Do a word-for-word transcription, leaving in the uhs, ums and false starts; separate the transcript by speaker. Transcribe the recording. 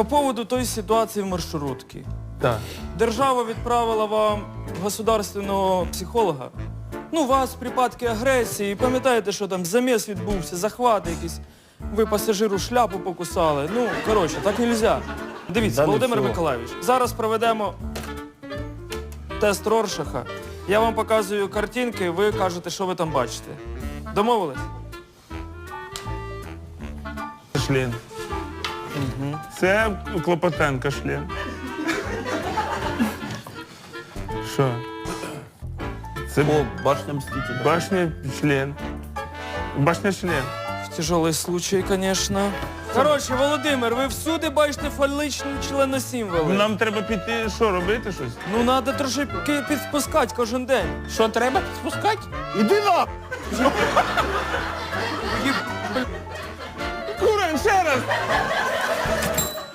Speaker 1: По поводу той ситуації в маршрутці.
Speaker 2: Так.
Speaker 1: Держава відправила вам государственного психолога. Ну, у вас припадки агресії, пам'ятаєте, що там заміс відбувся, захват якийсь. Ви пасажиру шляпу покусали. Ну, коротше, так не можна. Дивіться,
Speaker 2: Да, не
Speaker 1: Володимир
Speaker 2: всього.
Speaker 1: Миколайович, зараз проведемо тест Роршаха. Я вам показую картинки, ви кажете, що ви там бачите. Домовились?
Speaker 2: Член. Угу. Це Клопотенка член. Що? Це
Speaker 3: О, башня Мстителя.
Speaker 2: башня член. Башня член.
Speaker 1: Тяжелий случай, звісно. Коротше, Володимир, ви всюди бачите фалічні членосімволи.
Speaker 2: Нам треба піти, що, робити щось?
Speaker 1: Ну, треба трошки підспускати кожен день.
Speaker 3: Що, треба підспускати?
Speaker 2: Іди на!
Speaker 1: Їб-
Speaker 2: Курень, ще раз!